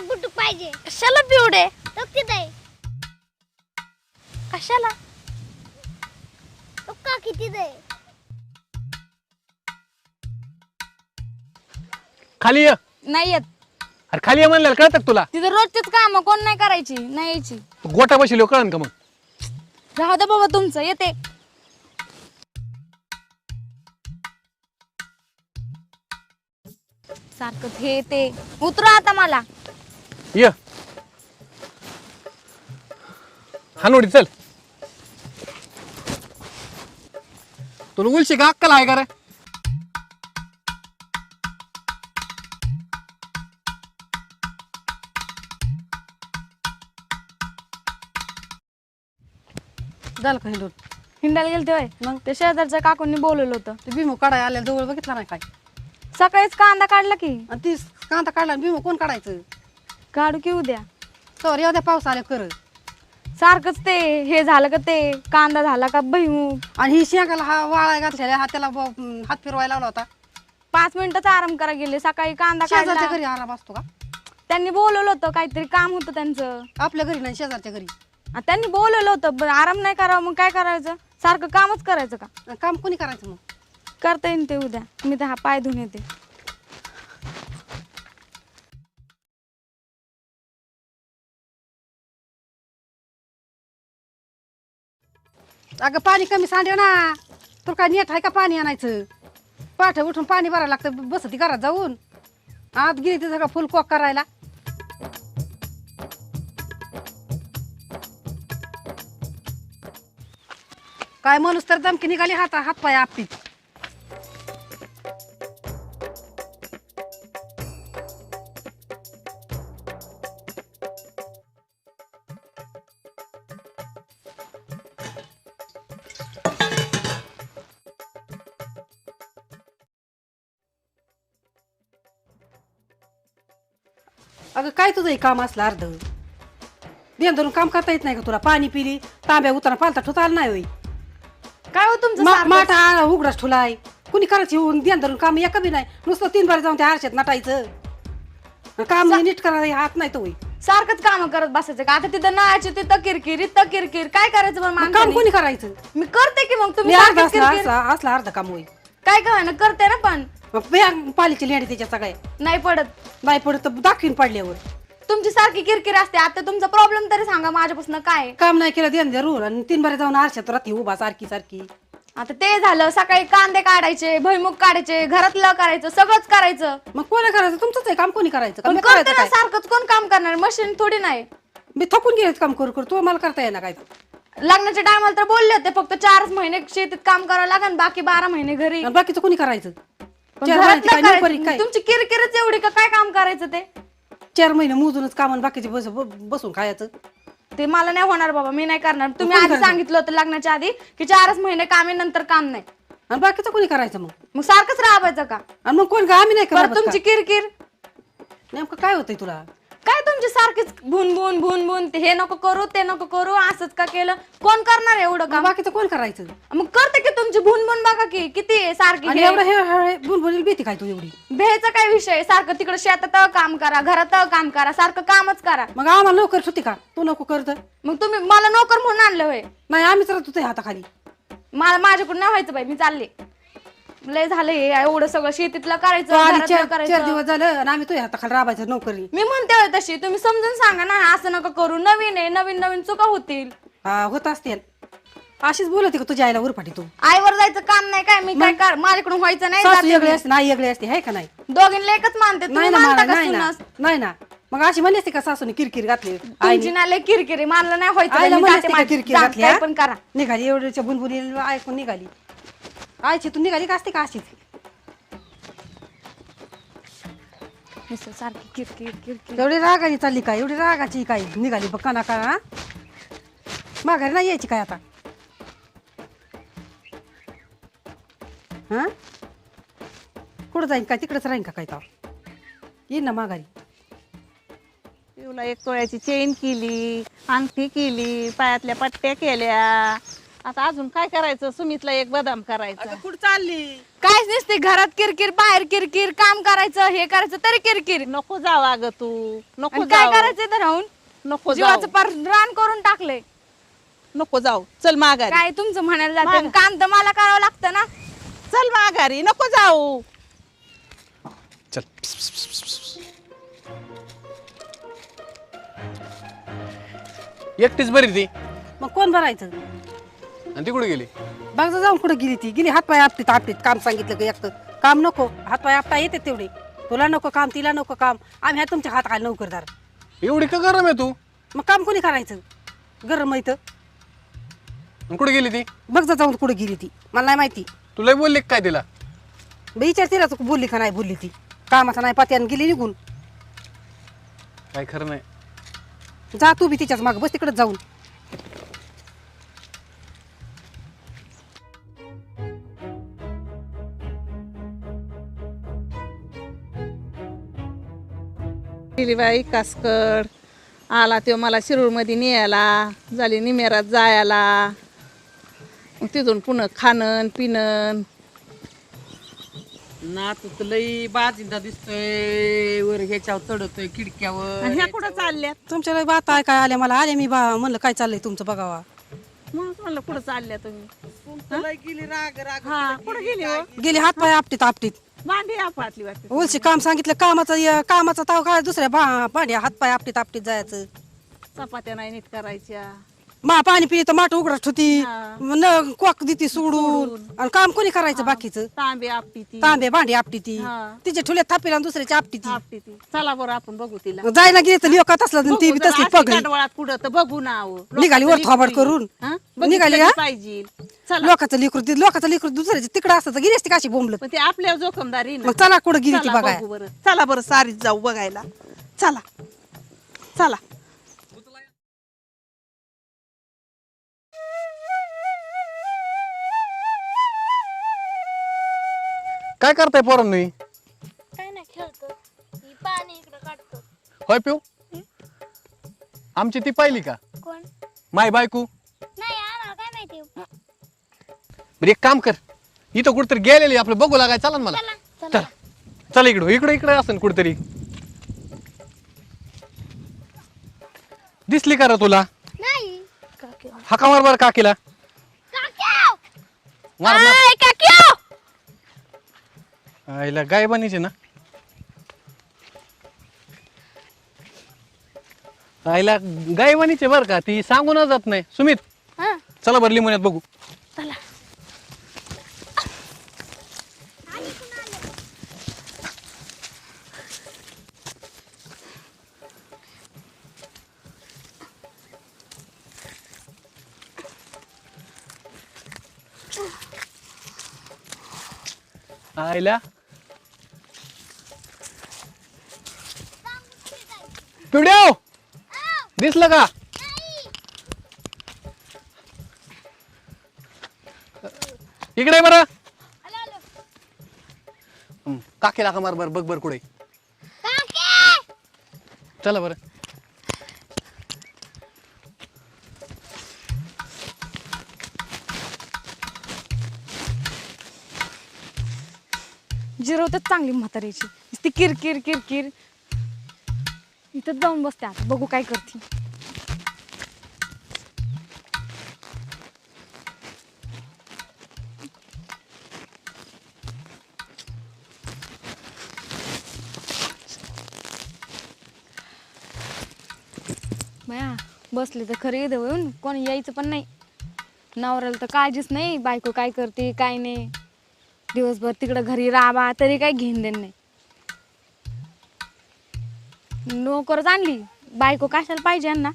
गुटुक पाहिजे. कशाला पिवडे? तिथे आहे. कशाला? का किती आहे? खाली ये. नाही येत. अरे खाली ये म्हणलं कळतं का तुला? तिथं रोजचीच काम कोण नाही करायची, नाही यायची. तू गोटा बसलो कळन का मग? राहू दे बाबा तुमचं, येते. सारखं हे ते. उतरा आता मला. ये हानोडी चल. तुला उलशी का अक्कल आहे का रे? झालं का हिंडून? हिंडायला गेलते होय. मग ते शेजारच्या काकूंनी बोलवलं होतं. ते भीमो काढाय आल्या जवळ बघितला नाही काय? सकाळीच कांदा काढला की. आणि ती कांदा काढला आणि भीमो कोण काढायचं? काढू की उद्या. तर एवढ्या पाऊस आल्या कर. सारखंच ते हे झालं का ते कांदा झाला का भुईमुग. आणि ही शेंगाला हा वाळाय घातलेला हा त्याला हात फिरवायला लावला होता. 5 मिनिटच आराम करा गेले. सकाळी कांदा शेजारच्या काढला. घरी आराम असतो का? त्यांनी बोलवलं होतं, काहीतरी काम होतं त्यांचं. आपल्या घरी नाही शेजारच्या घरी. आणि त्यांनी बोलवलं होतं, बरं आराम नाही करावं मग काय करायचं? सारखं कामच करायचं का? आणि काम कोणी करायचं मग? करता येईन ते उद्या. मी तर हा पाय धुवून येते. अगं पाणी कमी सांडव ना. तुला काय नेट आहे का पाणी आणायचं? पाठ उठून पाणी भरायला लागतं. बस ती घरात जाऊन आत गेली ती सगळं फुल कॉक करायला. काय माणूस तर दमकी निघाली हात पाय आपटीत. अगं काय तुझं हे काम असलं अर्ध देण धरून काम करता येत नाही का तुला? पाणी पिली तांब्या उतारा पालता ठुता आला नाही होई. काय हो तुमचं माठ सारखंच? उघडाच ठुलाय. कुणी करायची होऊन देण धरून काम एका बी नाही. नुसतं 3 बार जाऊन त्या आरशात नटायचं. काम नीट करायला हात नाही तो होई. सारखंच काम करत बसायचं का? आता तिथं नाळाची तिथं किरकिर इथं किरकिर. काय करायचं बरं मग काम माणसाने? कोणी करायचं? मी करते की मग. मी तुम्ही अर्ध सारखंच किरकिर. असला अर्ध काम होई. काय काय ना करते ना पण पालीची लेणी त्याच्या सगळ्या नाही पडत. नाही पडत तर दाखवीन पडल्यावर. तुमची सारखी किरकिर असते. आता तुमचा प्रॉब्लेम तरी सांगा माझ्यापासून काय आहे? काम नाही केलं देण धरून आणि 3 बार जाऊन आरशात राहते उभा सारखी सारखी. आता ते झालं. सकाळी कांदे काढायचे, भुईमुग काढायचे, घरातलं करायचं, सगळंच करायचं. मग कोणी करायचं? तुमचंच आहे काम. कोणी करायचं? पण मी करते करायचं ना काय? सारखंच. कोण काम करणार? मशीन थोडी नाही. मी थकून गेले काम करू करू. तू मला करता येणार काय? लग्नाच्या टायमाला तर बोलले होते फक्त 4 महिने शेतीत काम करावं लागेल, बाकी 12 महिने घरी. आणि बाकीचं कोणी करायचं? पण 4 घरातलं महिने काय नोकरी करायचं. काय? तुमची किरकिरच एवढी का? काय काम करायचं ते? 4 महिने मोजूनच काम आणि बाकीचे बसून खायचं. ते मला नाही होणार बाबा. मी नाही करणार. तुम्ही कोण आधी करणार? सांगितलं होतं लग्नाच्या आधी की 4च महिने काम आहे, नंतर काम नाही. आणि बाकीचं कोणी करायचं मग? मग सारखंच राबायचं का? आणि मग कोण का? आम्ही नाही बरं करत तुमची किरकिर नेमकं काय होतंय तुला? काय? तुमची सारखीच भून भून भून भून. हे नको करू ते नको करू, असंच का केलं? कोण करणार एवढं मग काम? बाकीचं कोण करायचं? मग करते की तुमची भून भून बघा की किती आहे सारखी. आणि हे एवढं हे बुनबुनीला भीती काय तू एवढी? भेचा काय विषय आहे? सारखं तिकडे शेतात काम करा, घरात काम करा, सारखं कामच करा. मग आम्हाला लवकर सुट्टी का? तू नको करत. मग तुम्ही मला नोकर म्हणून आणलं होय? नाही आम्हीच राहतो तुझ्या हाताखाली. मला माझ्याकडून नाही व्हायचं बाई. मी चालले. लय झालं हे एवढं सगळं शेतीतलं करायचं, तू आली घरातलं 4 करायचं. दिवस झालं आणि आम्ही तुझ्या हाताखाली राबायचं नोकरी. मी म्हणते होय तशी. तुम्ही समजून सांगा ना, असं नका करू. नवीन आहे, नवीन नवीन चुका होतील. हा होत असते. अशीच बोलते का तुझ्या आईला उरफाटी तू? आईवर जायचं काम नाही काय? मी काय कर माझ्याकडून व्हायचं नाही. सासू जाते वेगळी मी. असते नाही वेगळी असते आहे का नाही? दोघींना एकच मानते. तुम्ही नाही ना मानता मला का नाही ना सुनास? नाही ना. मग अशी म्हणली असते का सासूने किरकिर घातली? तुमची ना लय किरकिरी. मानलं नाही व्हायचं. आईला मी म्हणली जाते असते का माझी. किरकिर जा, घातली? काय हा? पण करा. निघाली एवढ्याच्या बुनबुनी ऐकून निघाली. आईची तू निघाली का असते का अशीच? नुसतं सारखी किरकिर किरकिर. एवढी रागाची चालली काय? एवढी रागाची काय निघाली बघ काना का? माघारी नाही यायची काय आता? हा कुठं जाईन काय? तिकडेच राहीन का काय? तर येईन ना माघारी. पिऊला 1 तोळ्याची चेन केली, अंगठी केली, पायातल्या पट्ट्या केल्या. आता अजून काय करायचं? सुमितला 1 बदाम करायचा. कुठं चालली? कायच नसते घरात किरकिर बाहेर किरकिर काम करायचं हे करायचं तरी किरकिर नको जाऊ अगं तू नको आणि काय जाऊ करायचं तर राहून नको जीवाचं जाऊ पार रान करून टाकलंय नको जाऊ चल माघारी काय तुमचं म्हणायला जाते काम तर मला करावं लागतं ना चल माघारी नको जाऊ चल एकटीच बरी ती मग कोण भरायचं आणि ती कुठे गेली बघ जा जाऊन कुठे गेली ती गेली हातपाय आपटीत आपटीत काम सांगितलं की एक तर काम नको हातपाय आपटा येते तेवढे तुला नको काम तिला नको काम आम्ही ह्या तुमच्या हात काय नोकरदार एवढी का गरम आहे तू मग काम कोणी करायचं गरम आहे तर आणि कुठे गेली ती बघ जा जाऊन कुठे गेली ती मला नाही माहिती तुला बोलली का काय तिला विचार तिला तू बोलली का नाही बोलली ती कामाचा नाही पात्यानं गेली निघून काय खरं नाही जा तू बी तिच्याच माग बस तिकडे जाऊन गेली बाई कासकड आला तो मला शिरूरमध्ये न्यायला झाली निमेरात जायला मग तिथून पुन्हा खाणं पिणं नातू तर लई बाजिंदा दिसतोय वर ह्याच्यावर चढतोय खिडक्यावर आणि ह्या कुठं चालल्यात तुमच्या बात आहे काय आल्या मला आले मी म्हणलं काय चाललंय तुमचं बघावा मग म्हणलं कुठं चालल्या तुम्ही तुमचं लई गेली राग राग हा कुठं गेली हो गेली हातपाय आपटीत आपटीत भांडी आपटली वाटते उलशी काम सांगितलं कामाचा ताव काय दुसऱ्या भांड्या हातपाय आपटीत आपटीत जायचं चपात्या नाही नीट करायच्या मा पाणी पित माठ उघडत होती हा. न क्वाक देती सोडून आणि काम कोणी करायचं बाकीचं तांबे आपटी ती तांबे भांडी आपटी ती हा. तिचे ठुले थापीला आणि दुसऱ्याची आपटी ती आपटी ती चला बरं आपण बघू तिला जायला गेली तर लिओकात असलं ती बी तसली पगडी डोळ्यात कुठं तर बघू ना अहो. निघाली वर लोकांचं थोबाड लेकरू. करून. हा? निघाली बघितलं हा? पाहिजे चला लोकांचं लिकरू दुसऱ्याची तिकडे असतं तर गेली असती काशी बोंबलत पण ते आपल्यावर जोखमदारी ना मग चला कुठं गेली ती चला बघाय बघू बरं चला बरं सारीच जाऊ बघायला चला चला काय करताय पोरांनी काय नाही खेळतो ही पाणी इकडे काढतो होय पिऊ आमची ती पाहिली का कोण माय बायको नाही आम्हाला काय माहिती बरं एक काम कर इथं कुठतरी गेलेली आपलं बघू लागाय चला ना मला चला चल चल इकडं इकडे इकडे असेल कुठतरी दिसली का रे तुला नाही हाका मार बरं काकीला मार मार आईला गाय बनीचे ना आईला गाय बनीचे बर का ती सांगून जात नाही सुमित चला बरं लिमोन्यात बघू आईला पिवड्याव दिसलं का इकडे बरं काकीला का मार बर बघ बर कुठे चला बरं जिरवतात चांगली म्हातारीची ती किरकिर किरकिर इथं जाऊन बसते आता बघू काय करते बया बसले तर खरे इथं येऊन कोणी यायचं पण नाही नवऱ्याला तर काळजीच नाही बायको काय करते काय नाही दिवसभर तिकडं घरी राबा तरी काही घेऊन देण नाही नोकरच आणली बायको कशाला पाहिजे यांना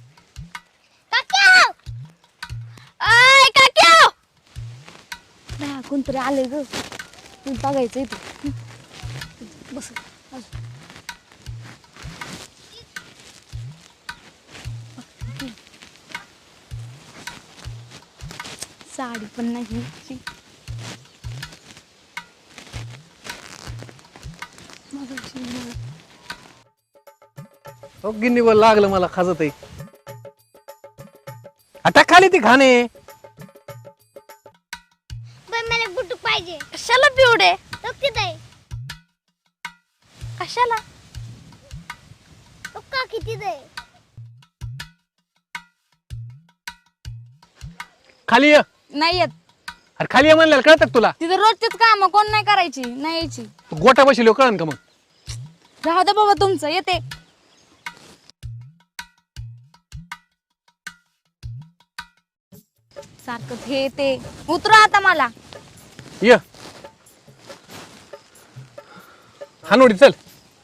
कोणतरी आलंय ग बघायचं इथं बस साडी पण नाही हो गिन्नीवर लागलं मला खाजत आहे आता खाली ती घाणे पण मला बुटूक पाहिजे कशाला पिवडे कशाला? पक्का किती दे? खाली ये. नाही येत. अरे खाली ये म्हणलेलं कळतं का तुला? तिथं रोजचीच काम कोण नाही करायची, नाही यायची. तू गोटा बसलो कळन का मग? राहू दे बाबा तुमचं, येते. सारखं हे ते. उतरा आता मला. ये हानोडी चल.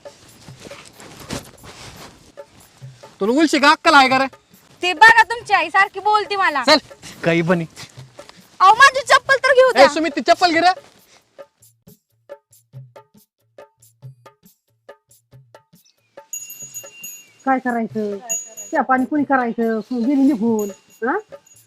तुला उलशी का अक्कल आहे का रे? ते बघा तुमची आई सारखी बोलती मला. चल काही बनी. अहो माझी चप्पल तर घेऊ ए द्या. सुमित ती चप्पल घे रे. काय करायचं त्या पाणी कुणी करायचं गेली निघून हा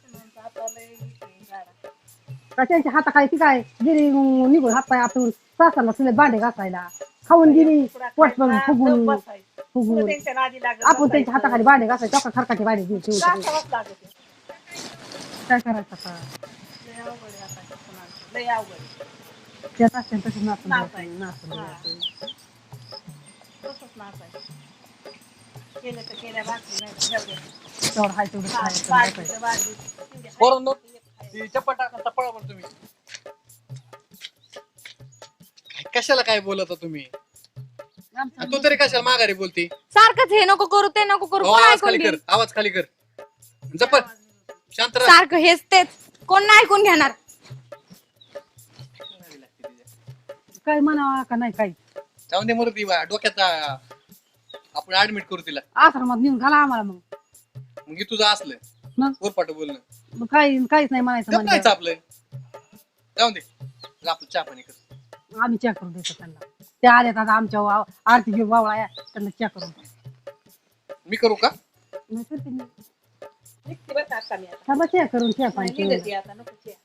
का त्यांच्या हाताखाली ती काय गेली निघून हात पाय आतून सासाला तुला भांडे घासायला खाऊन गेली पोट पण फुगून फुगून आपण त्यांच्या हाताखाली भांडे घासायचे चौका खरकाचे भांडे घेऊन काय करायचं आता त्यात असते तसं नाचून तेवढं हाय तेवढं खायचं. पोरांनो, ती चप्पल टाका पळा पण तुम्ही. कशाला काय बोलता तुम्ही? आणि तू तरी कशाला माघारी बोलती? सारखंच हे नको करू ते नको करू. कोण आवाज ऐकून खाली कर, घेईल? आवाज खाली कर. जप्पल शांत राहा. सारखं हेच तेच कोण नाही ऐकून घेणार. काय म्हणावा का नाही काही जाऊन दे मरू ती डोक्याचा. आपण ऍडमिट करू तिला. आश्रमात नेऊन घाला आम्हाला मग तुझं असलं मग उरपाट बोलणं मग काहीच नाही म्हणायचं गप नाहीच म्हणजे आपलं. जाऊन दे आपलं चहा पाणी कर. आम्ही चेक करून देतो त्यांना ते आले आता आमच्या आरती घेऊन वावळा या त्यांना चेक करून देतो. मी करू का? नाही करते मी. थांबा चेक करून चहा पाणी